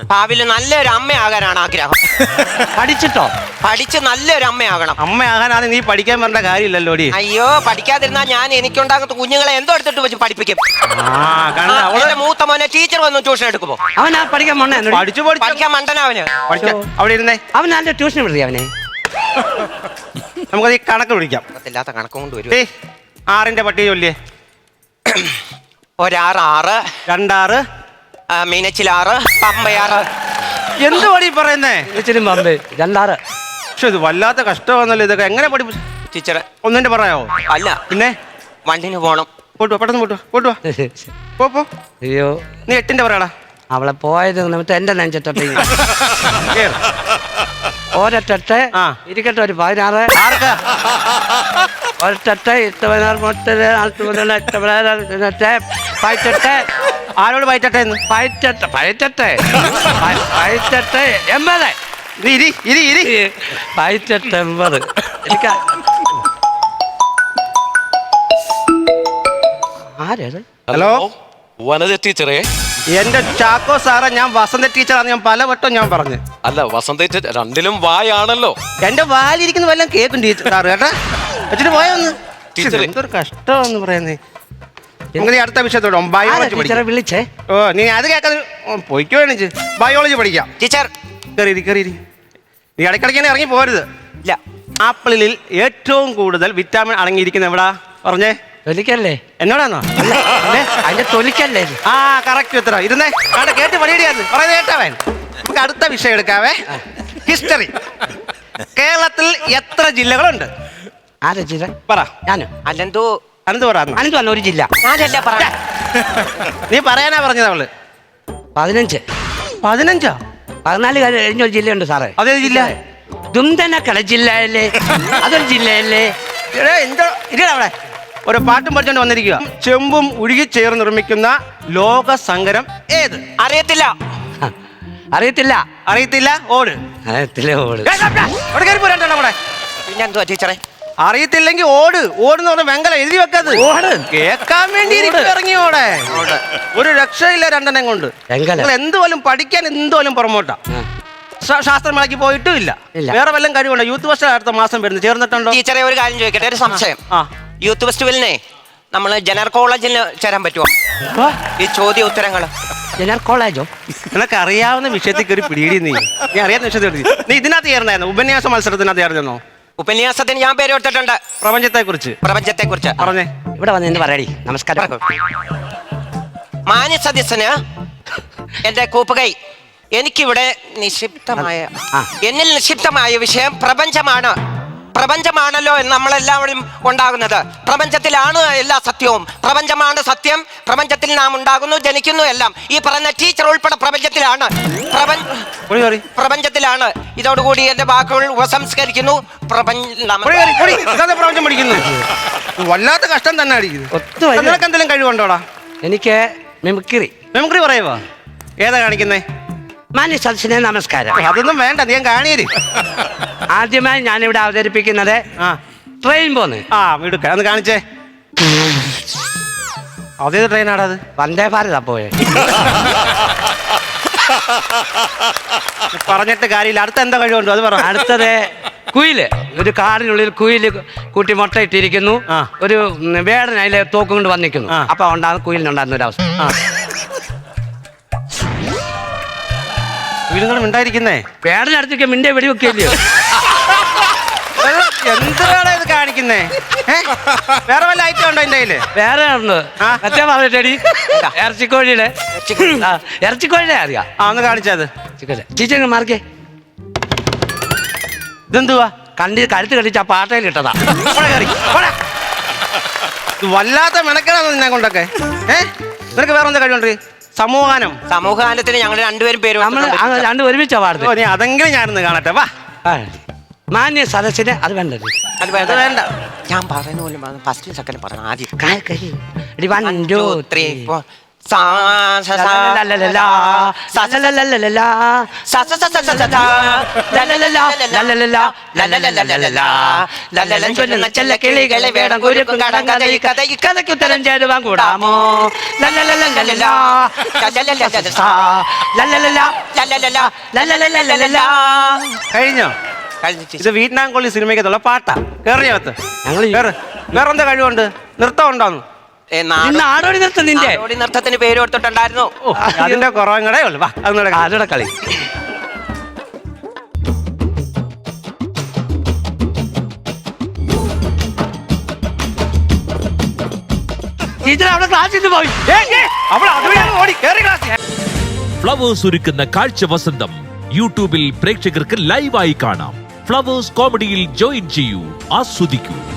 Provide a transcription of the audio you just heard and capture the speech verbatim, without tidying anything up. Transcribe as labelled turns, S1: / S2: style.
S1: ഭാവിയിൽ നല്ലൊരു അമ്മയാകാനാണ് ആഗ്രഹം.
S2: പഠിച്ചിട്ടോ?
S1: പഠിച്ച് നല്ലൊരു അമ്മയാകണം.
S3: അമ്മയാകാനാണ് നീ പഠിക്കാൻ വരേണ്ട കാര്യമില്ലല്ലോ.
S1: അയ്യോ, പഠിക്കാതിരുന്നാ ഞാൻ എനിക്കുണ്ടാകുന്ന കുഞ്ഞുങ്ങളെ എന്തോ എടുത്തിട്ട് വെച്ച് പഠിപ്പിക്കും.
S3: അവളുടെ
S1: മൂത്ത മോനെ ടീച്ചർ വന്നു ട്യൂഷൻ എടുക്കുമ്പോ
S2: അവനാ പഠിക്കാൻ മണ്ണ
S3: പഠിച്ചു
S1: പഠിക്കാൻ മണ്ടനാ അവന്.
S3: അവിടെ ഇരുന്നേ.
S2: അവൻ നല്ല ട്യൂഷൻ വിടുക അവനെ.
S3: നമുക്കത് ഈ കണക്ക് വിളിക്കാം.
S1: ഇല്ലാത്ത കണക്ക് കൊണ്ട് വരും.
S3: ആറിന്റെ പട്ടിക ചൊല്ലിയേ.
S1: ഒരാറ് ആറ്,
S3: രണ്ടാറ്,
S1: മീനച്ചിലാറ്, പമ്പയാറ്.
S3: എന്ത് പടി പറയുന്നേ?
S2: പമ്പ് രണ്ടാറ്.
S3: പക്ഷെ ഇത് വല്ലാത്ത കഷ്ടമാണല്ലോ. ഇതൊക്കെ എങ്ങനെ പഠി
S1: ടീച്ചറെ
S3: ഒന്നിന്റെ പറയാവോ?
S1: അല്ല,
S3: പിന്നെ
S1: വണ്ടിന് പോണം.
S3: പോട്ടുവാ, പെട്ടെന്ന് പോട്ടുവാ, പോട്ടുവാ. പോ പോ.
S2: അയ്യോ,
S3: നീ എട്ടിന്റെ പറയാടാ.
S2: അവളെ പോയത് നിമിത്തം എന്റെ നെഞ്ചിട്ടെ ഒരൊട്ടെ ഇരിക്കട്ടെ. ഒരു പതിനാറ് ഒരൊട്ടെ എട്ട് പതിനാറ് മുട്ടത് നാൽപ്പത് മുതൽ എട്ട് പതിനാറ് പയറ്റെട്ട്.
S3: ആരോട് പയറ്റട്ടെ?
S2: പയറ്റെട്ട് പയറ്റെട്ട് പയറ്റെട്ട് എൺപത്.
S3: ഇരി ഇരി ഇരി
S2: പയറ്റെട്ട് എൺപത്. എനിക്ക് ആരേത്?
S3: ഹലോ,
S4: വനജ ടീച്ചറേ.
S3: എന്റെ ചാക്കോ സാറേ, ഞാൻ വസന്ത ടീച്ചറാണ്. ഞാൻ പലവട്ടം ഞാൻ പറഞ്ഞു.
S4: അല്ല, വസന്ത ടീച്ചർ രണ്ടിലും വായാണല്ലോ.
S3: എന്റെ വാലിരിക്കുന്ന വല്ലതും കേൾക്കും ടീച്ചർ സാറ് കേട്ടാ. വെച്ചിട്ട് പോയൊന്ന്. എന്തൊരു കഷ്ടമാണെന്ന് പറയുന്നേ. നിങ്ങൾ അടുത്ത വിഷയത്തോടെ ബയോളജി
S2: വിളിച്ചേ.
S3: ഓ, നീ അത് കേൾക്കാതെ പോയിക്കോ. എണിച്ച് ബയോളജി പഠിക്കാം.
S1: ടീച്ചർ
S3: കയറി കയറി. നീ ഇടയ്ക്കിടയ്ക്ക് ഇറങ്ങി പോരുത്.
S1: ഇല്ല.
S3: ആപ്പിളിൽ ഏറ്റവും കൂടുതൽ വിറ്റാമിൻ അടങ്ങിയിരിക്കുന്ന എവിടാ പറഞ്ഞേ?
S2: തൊലിക്കല്ലേ?
S3: എന്നോടാന്നോ?
S2: അതിന്റെ തൊലിക്കല്ലേ?
S3: ആ, കറക്റ്റ് ഉത്തരം. ഇരുന്നേ. കണ്ട കേട്ട് പണിയിടിയാന്ന് പറയുന്നത് കേട്ടവൻ. നമുക്ക് അടുത്ത വിഷയം എടുക്കാവേ. ഹിസ്റ്ററി. കേരളത്തിൽ എത്ര ജില്ലകളുണ്ട്?
S2: ആരാ ജില്ല?
S3: പറ.
S2: ഞാനോ?
S1: അല്ലെന്തോ
S2: അനന്ത് പറ. അനന്ത് വന്ന ഒരു ജില്ല.
S1: ഞാനല്ല പറയാ.
S3: നീ പറയാനാ പറഞ്ഞത് അവള്.
S2: പതിനഞ്ച്.
S3: പതിനഞ്ചോ?
S2: പതിനാല് കഴിഞ്ഞൊരു ജില്ലയുണ്ട് സാറേ.
S3: അതേ ജില്ല?
S2: ദുംതനക്കട ജില്ലയല്ലേ? അതൊരു ജില്ലയല്ലേ?
S3: എന്തോ ഇല്ല. അവിടെ ഒരു പാട്ടും പഠിച്ചോണ്ട് വന്നിരിക്കുക. ചെമ്പും ഉരുകി ചേർന്ന് നിർമ്മിക്കുന്ന ലോക സങ്കരം ഏത്?
S1: അറിയത്തില്ല.
S2: അറിയത്തില്ല.
S3: അറിയത്തില്ല. ഓട്.
S2: അറിയത്തില്ല. ഓട്.
S3: അവിടെ കയറി പോരാ. അവിടെ
S1: പിന്നെന്തുവാ ടീച്ചറെ?
S3: അറിയത്തില്ലെങ്കിൽ ഓട്. ഓടുന്ന് പറഞ്ഞ വെങ്കല എഴുതി വെക്കാത്.
S2: ഓട്
S3: കേൾക്കാൻ വേണ്ടി ഇറങ്ങി. ഓടെ ഒരു രക്ഷയില്ല രണ്ടെണ്ണം കൊണ്ട്. എന്തുപോലും പഠിക്കാൻ എന്തുപോലും പുറമോട്ടാ. ശാസ്ത്രമേളയ്ക്ക് പോയിട്ടും ഇല്ല. വേറെ വല്ലതും കഴിവുണ്ടോ? യൂത്ത് ഫെസ്റ്റ് അടുത്ത മാസം വരുന്നത് ചേർന്നിട്ടുണ്ടോ?
S1: ടീച്ചറെ ഒരു കാര്യം ചോദിക്കട്ടെ, ഒരു സംശയം.
S3: ആ,
S1: യൂത്ത് ഫെസ്റ്റിവലിനെ നമ്മൾ ജനറൽ കോളേജിൽ ചേരാൻ പറ്റുമോ? ഈ ചോദ്യ ഉത്തരങ്ങൾ
S2: ജനറൽ കോളേജോ?
S3: നിനക്ക് അറിയാവുന്ന വിഷയത്തിൽ കയറി പിടിയിടി. നീ നീ അറിയാവുന്ന വിഷയത്തിൽ നീ ഇതിനകത്ത് ചേർന്നായിരുന്നു. ഉപന്യാസ മത്സരത്തിനകത്ത് ചേർന്നോ?
S1: ഉപന്യാസത്തിന് ഞാൻ പേര് കൊടുത്തിട്ടുണ്ട്.
S3: പ്രപഞ്ചത്തെ കുറിച്ച്.
S1: പ്രപഞ്ചത്തെ കുറിച്ച്
S3: പറഞ്ഞേ.
S2: ഇവിടെ വന്ന് എന്ന് പറയടി. നമസ്കാരം.
S1: മാന്യ സദസ്യന് എന്റെ കൂപ്പുകൈ. എനിക്കിവിടെ നിക്ഷിപ്തമായ എന്നിൽ നിക്ഷിപ്തമായ വിഷയം പ്രപഞ്ചമാണ്. പ്രപഞ്ചമാണല്ലോ നമ്മളെല്ലാവരും ഉണ്ടാകുന്നത്. പ്രപഞ്ചത്തിലാണ് എല്ലാ സത്യവും. പ്രപഞ്ചമാണ് സത്യം. പ്രപഞ്ചത്തിൽ നാം ഉണ്ടാകുന്നു, ജനിക്കുന്നു എല്ലാം. ഈ പറഞ്ഞ ടീച്ചർ ഉൾപ്പെടെ പ്രപഞ്ചത്തിലാണ്. പ്രപഞ്ചത്തിലാണ്. ഇതോടുകൂടി എന്റെ വാക്കുകൾ ഉപസംസ്കരിക്കുന്നു.
S3: പ്രപഞ്ചം പഠിക്കുന്നു. വല്ലാത്ത കഷ്ടം തന്നെ അടിക്കുന്നു. നിനക്ക് എന്തെങ്കിലും കഴിവുണ്ടോടാ?
S2: എനിക്ക് മിമിക്രി.
S3: മിമിക്രി പറയുവാ? ഏതാ കാണിക്കുന്നേ?
S2: മാന്യ സദസ്സിനെ നമസ്കാരം.
S3: അതൊന്നും വേണ്ട, നീ കാണിയേ.
S2: ആദ്യമായി ഞാനിവിടെ അവതരിപ്പിക്കുന്നത് ട്രെയിൻ പോന്ന്.
S3: ആ, എടുക്ക. അന്ന് കാണിച്ചേ. അതേത് ട്രെയിനാടാ അത്?
S2: വന്ദേ ഭാരതാ പോയെ.
S3: പറഞ്ഞിട്ട് കാര്യമില്ല. അടുത്ത എന്താ കഴിവുണ്ടോ അത് പറ.
S2: അടുത്തത് കുയില്. ഒരു കാടിനുള്ളിൽ കുയില് കൂട്ടി മുട്ടയിട്ടിരിക്കുന്നു. ഒരു വേടൻ അതിലെ തോക്കും കൊണ്ട് വന്നിരിക്കുന്നു. അപ്പൊ ഉണ്ടാകുന്ന കുയിലിനുണ്ടാകുന്ന ഒരു അവസ്ഥ.
S3: ഉണ്ടായിരിക്കുന്നേ
S2: വേടനടുത്തേക്ക് മിണ്ടേ വെടിവെക്കില്ലയോ?
S3: എന്താണ് ഇത് കാണിക്കുന്നേ? വേറെ വല്ല ഐറ്റം ഉണ്ടോ എന്റെ കയ്യില്?
S2: വേറെ ഉണ്ട്. മറ്റേ പറഞ്ഞിട്ടടി ഇറച്ചിക്കോഴിയുടെ ഇറച്ചിക്കോഴിയുടെ അറിയാം.
S3: ആ, ഒന്ന് കാണിച്ചത്.
S2: ടീച്ചർ മാർക്കേ.
S3: ഇതെന്തുവാ?
S2: കണ്ടി കഴുത്ത് കടിച്ച ആ പാട്ടയിൽ ഇട്ടതാ.
S3: വല്ലാത്ത മെനക്കെടാന്ന് നിന്നെ കൊണ്ടൊക്കെ. ഏഹ് നിനക്ക് വേറെ എന്താ കഴിവുണ്ട്? സമൂഹാനം.
S1: സമൂഹഗാനത്തിന് ഞങ്ങൾ രണ്ടുപേരും പേര്
S2: രണ്ടും ഒരുമിച്ചാ പാടുന്നത്.
S3: നീ അതെങ്കിലും ഞാനൊന്ന് കാണട്ടെ. വാ.
S2: മാന്യ സദസ്സിന് അത് വേണ്ടത്.
S1: അത് വേണ്ട. ഞാൻ പറയുന്ന പോലും ഫസ്റ്റ് സെക്കൻഡ് പറഞ്ഞു. ആദ്യം
S2: വൺ ടു ത്രീ
S1: സാ സ സ
S2: ലലലലാ, സലലലലലാ,
S1: സ സ സ സ സ സ.
S2: ലലലലാ, ലലലലാ, ലലലലലലാ. ലലലൻ ചൊല്ലുന്ന ചെല്ല കിളികളെ വേടം കുരുക്കും കടം കഥ ഈ കഥ ഈ കഥയ്ക്ക് ഉത്തരം ചേരുവാൻ കൂടാമോ? ലലലലലലാ, ലലലലലലാ, ലലലലാ, ലലലലാ, ലലലലലലാ.
S3: കഴിഞ്ഞോ?
S1: കഴിഞ്ഞു ചേച്ചി.
S3: ഇത് വിയറ്റ്നാം കൊള്ളി സിനിമയ്ക്കത്തുള്ള പാട്ടാ. കേറിയകത്ത്
S2: ഞങ്ങൾ
S3: കേറ്. വേറെന്താ കഴിവുണ്ട്? നൃത്തം ഉണ്ടോന്ന്?
S1: ഏ, നാടോ-
S2: നാടോടി നൃത്തം നിന്റെ
S1: നാടോടി നൃത്തത്തിന് പേര് കൊടുത്തിട്ടുണ്ടായിരുന്നു.
S3: ഓ, അതിന്റെ കുറവും കൂടെ ഉള്ളു. വാ അതൊന്നുകൂടെ കാ-
S2: ആരുടെ കളി ടീച്ചർ അവിടെ ക്ലാസ്സിൽ പോയി.
S3: ഏയ്, ഏയ്, അവൾ അതുവഴിയാണ് ഓടി കേറി ക്ലാസ്സിൽ.
S5: ഫ്ലവേഴ്സ് ഒരുക്കുന്ന കാഴ്ച വസന്തം യൂട്യൂബിൽ പ്രേക്ഷകർക്ക് ലൈവായി കാണാം. ഫ്ലവേഴ്സ് കോമഡിയിൽ ജോയിൻ ചെയ്യൂ, ആസ്വദിക്കൂ.